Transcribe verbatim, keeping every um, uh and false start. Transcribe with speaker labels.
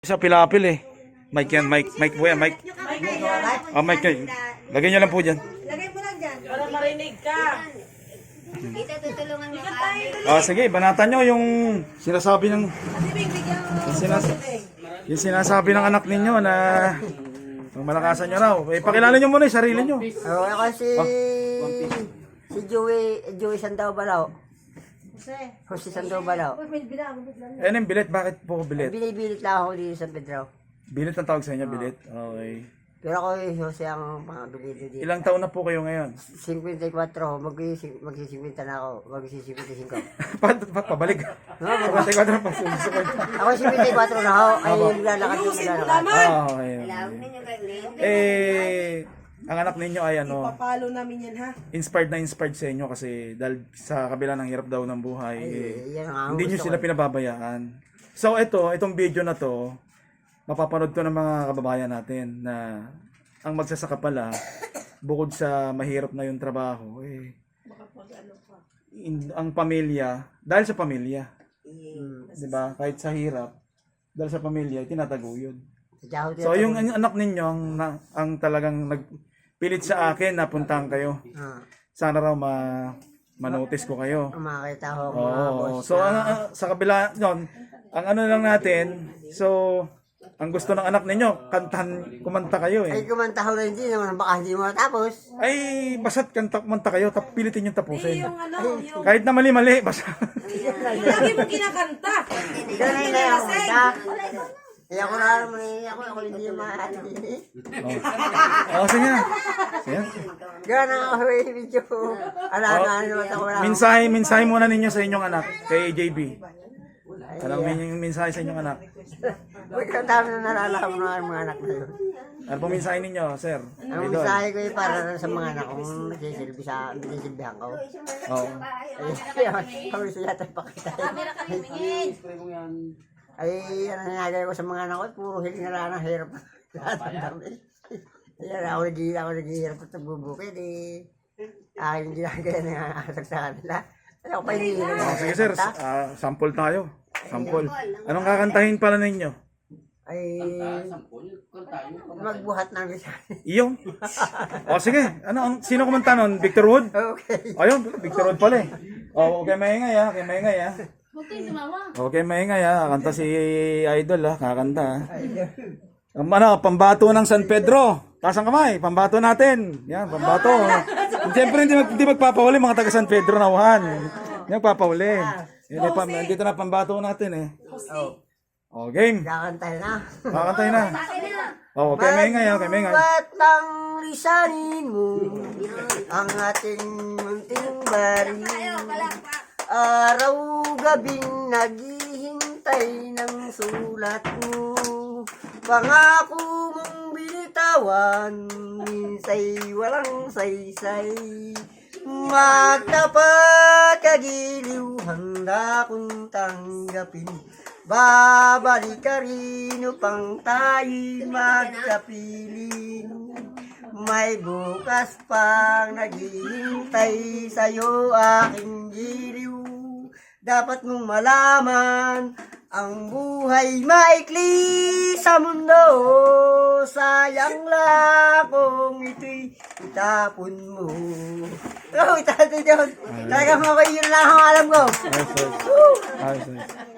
Speaker 1: Sa pilapil eh. Mic yan, mic, mic po yan, mic. Ah, mic yan. Lagyan nyo lang po dyan.
Speaker 2: Lagay mo lang dyan.
Speaker 3: Para marinig ka.
Speaker 2: Kita tutulungan mo kami.
Speaker 1: Ah, sige, banatan nyo yung sinasabi ng
Speaker 2: Kasi bigyan mo.
Speaker 1: yung, sinas yung sinasabi ng anak ninyo na ang malakasan nyo raw. Eh, pakilala nyo muna yung sarili nyo.
Speaker 4: Oh, ako si si Joey, Joey Sandaw Balao.
Speaker 2: Jose.
Speaker 4: Jose Sandaw Balao.
Speaker 2: Uy, may bilang. may bilang.
Speaker 1: Eh, yung bilit, bakit po bilit?
Speaker 4: Binibilit lang ako dito sa Pedro.
Speaker 1: Bilit ang tawag sa inyo, bilit. Okay.
Speaker 4: Pero ako eh, Jose ang pangabilido dito.
Speaker 1: Ilang taon na po kayo ngayon?
Speaker 4: fifty-four, magsisimpunta na ako, magsisimpunta
Speaker 1: pa, pa, pabalik. Pabalik ko na pa.
Speaker 4: Ako fifty-four na ako, ay naglalakad yung naglalakad.
Speaker 1: Ah, okay.
Speaker 2: Tawag ninyo kayo.
Speaker 1: Eh, ang anak ninyo ay ano,
Speaker 3: Papalo namin yan ha.
Speaker 1: inspired na inspired sa inyo kasi dahil sa kabila ng hirap daw ng buhay, eh,
Speaker 4: Eh, yan ang
Speaker 1: hindi nyo
Speaker 4: gusto
Speaker 1: sila
Speaker 4: ko.
Speaker 1: pinababayaan. So ito, itong video na to, mapapanood to ng mga kababayan natin na ang magsasaka pala, bukod sa mahirap na yung trabaho, eh, in- ang pamilya, dahil sa pamilya, di ba? Kahit sa hirap, dahil sa pamilya, tinataguyod.
Speaker 4: Sadya ako
Speaker 1: So yung an- anak ninyo, ang, na- ang talagang nagpilit sa akin na puntahan kayo.
Speaker 4: Ah,
Speaker 1: Sana raw ma manotice ko kayo.
Speaker 4: makakita ko mga
Speaker 1: Oo.
Speaker 4: boss
Speaker 1: So
Speaker 4: na-
Speaker 1: ang, ang- sa kabila nun, ang ano lang natin, so ang gusto ng anak ninyo, kantahan, kumanta kayo
Speaker 4: ay
Speaker 1: eh.
Speaker 4: kumanta ko rin din naman, baka hindi mo matapos.
Speaker 1: Ay, basta't kanta, kumanta kayo, tap, pilitin yung tapusin.
Speaker 3: Yung ano, yung
Speaker 1: Kahit na mali-mali, basta.
Speaker 3: lagi mo kinakanta.
Speaker 4: Ganun na yung kumanta. Eh ako na naman eh, ako, ako hindi mahal.
Speaker 1: Oo, sige na. Sige.
Speaker 4: Ganun ako eh, medyo. Ala na naman ako lang.
Speaker 1: Mensahe, mensahe muna ninyo sa inyong anak, kay J B. Alam mo yung mensahe sa inyong anak.
Speaker 4: Huwag ka dami na nalalaman mo ng mga anak na yun.
Speaker 1: Ano po mensahe ninyo, sir?
Speaker 4: Ang
Speaker 1: Idol.
Speaker 4: mensahe ko eh para rin sa mga anak kong nagsisilbi sa nagsisilbihan ko.
Speaker 1: Oo.
Speaker 4: Ay, kami siya tayo pakita. Ay, ano nangyagay ko sa mga anak ko, puro hiling na lang ang hirap. Lahat ng dami. Yan, ako nag- ako naghihirap at nagbubukid eh. Aking ginagaya na yung anak sa kanila. Ay, ako pa hindi nila.
Speaker 1: Oh, sige sir, ah, sample tayo. Sample. Anong kakantahin pala ninyo?
Speaker 4: Ay, magbuhat ng isa.
Speaker 1: Iyong? O sige, ano, ang, sino kumanta nun? Victor Wood?
Speaker 4: Okay.
Speaker 1: Ayun, Victor Wood pala eh. O, okay maingay ah, okay maingay ah. Okay maingay ah, kanta si Idol ah, kakanta ah. Ang ano, pambato ng San Pedro. Taas ang kamay, pambato natin. Yan, pambato. Siyempre hindi, mag, hindi magpapahuli mga taga San Pedro na uhan. Hindi magpapahuli. Yan, eh, pam, dito na pambato natin eh.
Speaker 4: Oh,
Speaker 1: O, game.
Speaker 4: kakantay na.
Speaker 1: Kakantay na. O, okay maingay ah, okay maingay.
Speaker 4: Ba't ang lisanin mo ang ating munting bari? Araw gabing naghihintay ng sulat mo. Pangako mong binitawan, minsay walang saysay. Magtapat kagiliw, handa kong tanggapin. Babalik ka rin upang tayo'y magkapiling. May bukas pang naghihintay sa'yo aking giliw. Dapat mong malaman, ang buhay maikli sa mundo. Sayang lang kung ito'y itapon mo. Oh, itapon yun. Talagang ako yun lang ang alam ko.
Speaker 1: Ayos, ayos. Ayos, ayos.